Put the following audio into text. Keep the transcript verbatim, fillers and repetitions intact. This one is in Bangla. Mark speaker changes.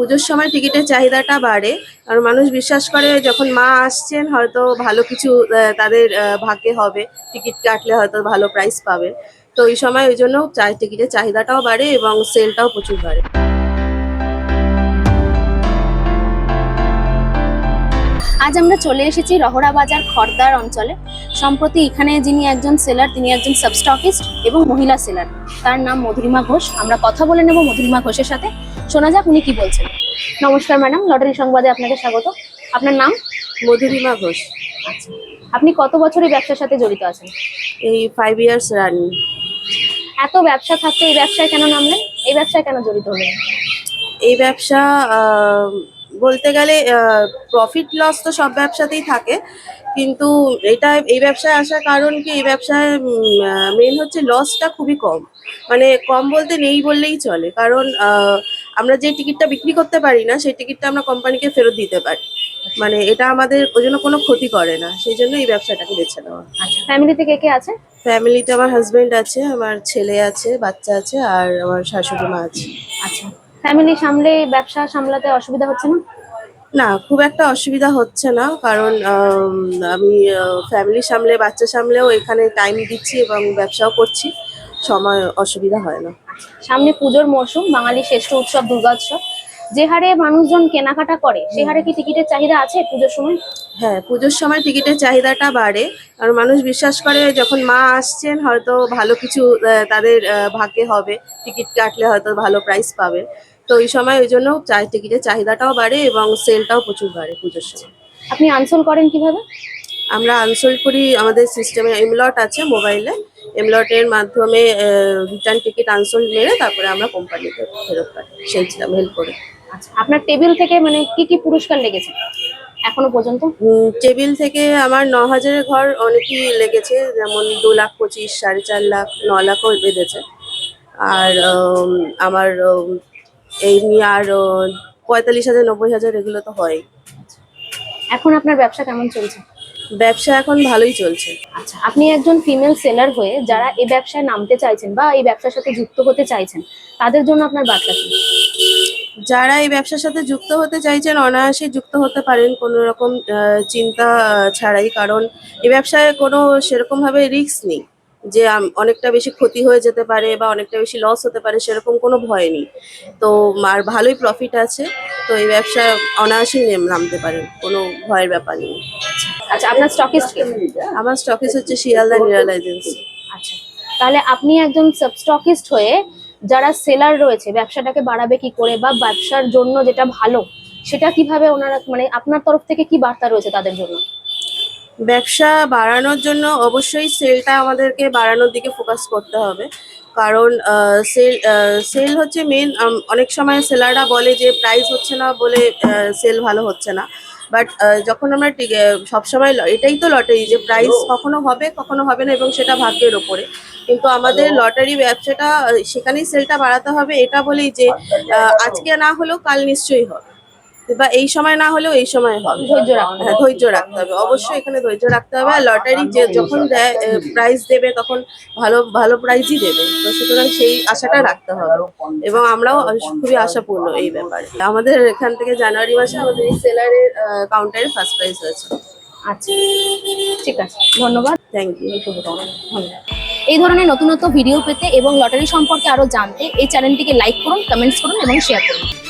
Speaker 1: পুজোর সময় টিকিটের চাহিদাটা বাড়ে। কারণ মানুষ বিশ্বাস করে যখন মা আসছেন হয়তো ভালো কিছু আহ, তাদের আহ, ভাগ্যে হবে, টিকিট কাটলে হয়তো ভালো প্রাইস পাবে। তো এই সময় ওই জন্য চাই টিকিটের চাহিদাটাও বাড়ে এবং সেলটাও প্রচুর বাড়ে।
Speaker 2: আজ আমরা চলে এসেছি রহড়া বাজার খড়দার অঞ্চলে। সম্প্রতি এখানে যিনি একজন সেলার, তিনি একজন সাবস্টকিস্ট এবং মহিলা সেলার। তার নাম মধুরিমা ঘোষ। আমরা কথা বলে নেব মধুরিমা ঘোষের সাথে। শোনা যাক উনি কি বলছেন। নমস্কার ম্যাডাম, লটারি সংবাদে আপনাকে স্বাগত। আপনার নাম?
Speaker 1: মধুরিমা ঘোষ।
Speaker 2: আচ্ছা, আপনি কত বছর এই ব্যবসার সাথে জড়িত আছেন?
Speaker 1: এই ফাইভ ইয়ার্স রানিং।
Speaker 2: এত ব্যবসা থাকতে এই ব্যবসায় কেন নামলেন? এই ব্যবসায় কেন জড়িত হলেন?
Speaker 1: এই ব্যবসা আহ, বলতে গেলে প্রফিট লস তো সব ব্যবসাতেই থাকে, কিন্তু এটা এই ব্যবসায় আসার কারণ কি, এই ব্যবসায় মেন হচ্ছে লসটা খুবই কম। মানে কম বলতে নেই বললেই চলে, কারণ আহ, আমরা যে টিকিটটা বিক্রি করতে পারি না সেই টিকিটটা আমরা কোম্পানিকে ফেরত দিতে পারি। মানে এটা আমাদের ওই জন্য কোনো ক্ষতি করে না, সেই জন্য এই ব্যবসাটাকে বেছে নেওয়া।
Speaker 2: আচ্ছা, ফ্যামিলিতে কে কে আছে?
Speaker 1: ফ্যামিলিতে আমার হাজবেন্ড আছে, আমার ছেলে আছে, বাচ্চা আছে, আর আমার শাশুড়ি মা আছে।
Speaker 2: আচ্ছা, ফ্যামিলি সামলে ব্যবসা সামলাতে অসুবিধা হচ্ছে না?
Speaker 1: না, খুব একটা অসুবিধা হচ্ছে না, কারণ আম, আমি ফ্যামিলি সামলে বাচ্চা সামলেও এখানে টাইম দিচ্ছি এবং ব্যবসাও করছি, সময় অসুবিধা হয় না।
Speaker 2: সামনে পুজোর মরশুম, বাঙালির শ্রেষ্ঠ উৎসব দুর্গোৎসব। যে হারে মানুষজন কেনাকাটা করে সে হারে কি টিকিটের চাহিদা আছে পুজোর সময়?
Speaker 1: হ্যাঁ, পুজোর সময় টিকিটের চাহিদাটা বাড়ে। কারণ মানুষ বিশ্বাস করে যখন মা আসছেন হয়তো ভালো কিছু আহ, তাদের আহ, ভাগ্যে হবে, টিকিট কাটলে হয়তো ভালো প্রাইস পাবে। তো এই সময় ওই জন্য চাই টিকিটের চাহিদাটাও বাড়ে এবং সেলটাও প্রচুর বাড়ে পুজোর সময়।
Speaker 2: আপনি আনসোল করেন কিভাবে?
Speaker 1: আমরা আনসোল্ড করি, আমাদের সিস্টেমে এমলট আছে মোবাইলে। এমলটের মাধ্যমে রিটার্ন টিকিট আনসোল্ড মেরে তারপরে আমরা কোম্পানিতে ফেরত পাঠাই, সেইছিলাম হেল্প করে।
Speaker 2: আচ্ছা, আপনার টেবিল থেকে মানে কি কি পুরস্কার লেগেছে এখনো পর্যন্ত?
Speaker 1: টেবিল থেকে আমার ন হাজারের ঘর অনেকই লেগেছে, যেমন দু লাখ পঁচিশ, সাড়ে চার লাখ, ন লাখও বেঁধেছে। আর উম, আমার উম, এই নিয়ে আর উম, পঁয়তাল্লিশ হাজার, নব্বই হাজার এগুলো তো হয়।
Speaker 2: এখন আপনার ব্যবসা কেমন চলছে?
Speaker 1: ব্যবসা এখন ভালোই চলছে।
Speaker 2: আচ্ছা, আপনি একজন ফিমেল সেলার হয়ে যারা এই ব্যবসায় নামতে চাইছেন বা এই ব্যবসার সাথে যুক্ত হতে চাইছেন, তাদের জন্য আপনার বার্তা কি?
Speaker 1: যারা এই ব্যবসার সাথে যুক্ত হতে চাইছেন অনায়াসে যুক্ত হতে পারেন, কোনো রকম আহ, চিন্তা আহ, ছাড়াই। কারণ এই ব্যবসায় কোনো সেরকম ভাবে রিস্ক নেই যে আম, অনেকটা বেশি ক্ষতি হয়ে যেতে পারে বা অনেকটা বেশি লস হতে পারে, সেরকম কোনো ভয় নেই। তো আর ভালোই প্রফিট আছে। তো এই ব্যবসা অনায়াসেই নেম- নামতে পারেন, কোনো ভয়ের ব্যাপার নেই।
Speaker 2: আচ্ছা, আপনার স্টকিস্ট কে?
Speaker 1: আমার স্টকিস হচ্ছে শিয়ালদা নিরাল এজেন্সি।
Speaker 2: আচ্ছা, তাহলে আপনি একজন সাবস্টকিস্ট হয়ে যারা সেলার রয়েছে ব্যবসাটাকে বাড়াবে কি করে বা ব্যবসার জন্য যেটা ভালো সেটা কিভাবে ওনারা, মানে আপনার তরফ থেকে কি বার্তা রয়েছে তাদের জন্য?
Speaker 1: ব্যবসা বাড়ানোর জন্য অবশ্যই সেলটা আমাদেরকে বাড়ানোর দিকে ফোকাস করতে হবে। কারণ সেল সেল হচ্ছে মেন। অনেক সময় সেলাররা বলে যে প্রাইস হচ্ছে না বলে সেল ভালো হচ্ছে না। বাট যখন আমরা টি- আহ, সবসময় ল- এটাই তো লটারি, যে প্রাইস কখনো হবে কখনো হবে না, এবং সেটা ভাগ্যের ওপরে। কিন্তু আমাদের লটারি ব্যবসাটা আহ, সেখানেই সেলটা বাড়াতে হবে, এটা বলেই যে আহ, আজকে না হলেও কাল নিশ্চয়ই হবে, বা এই সময় না হলেও এই সময় হবে।
Speaker 2: ধৈর্য রাখতে
Speaker 1: হ্যাঁ, ধৈর্য রাখতে হবে, অবশ্যই এখানে ধৈর্য রাখতে হবে। আর লটারি যে যখন দেয় প্রাইজ দেবে তখন ভালো ভালো প্রাইজই দেবে, তো সুতরাং সেই আশাটা রাখতে হবে। এবং আমরাও খুবই আশাপূর্ণ এই ব্যাপারে। আমাদের এখান থেকে জানুয়ারি মাসে আমাদের এই সেলারের কাউন্টারে ফার্স্ট প্রাইজ হয়েছে।
Speaker 2: আচ্ছা, ঠিক আছে, ধন্যবাদ।
Speaker 1: Thank you.
Speaker 2: এই শুভকামনা। ধন্যবাদ। এই ধরনের নতুন নতুন ভিডিও পেতে এবং লটারি সম্পর্কে আরো জানতে এই চ্যানেলটিকে লাইক করুন, কমেন্টস করুন এবং শেয়ার করুন।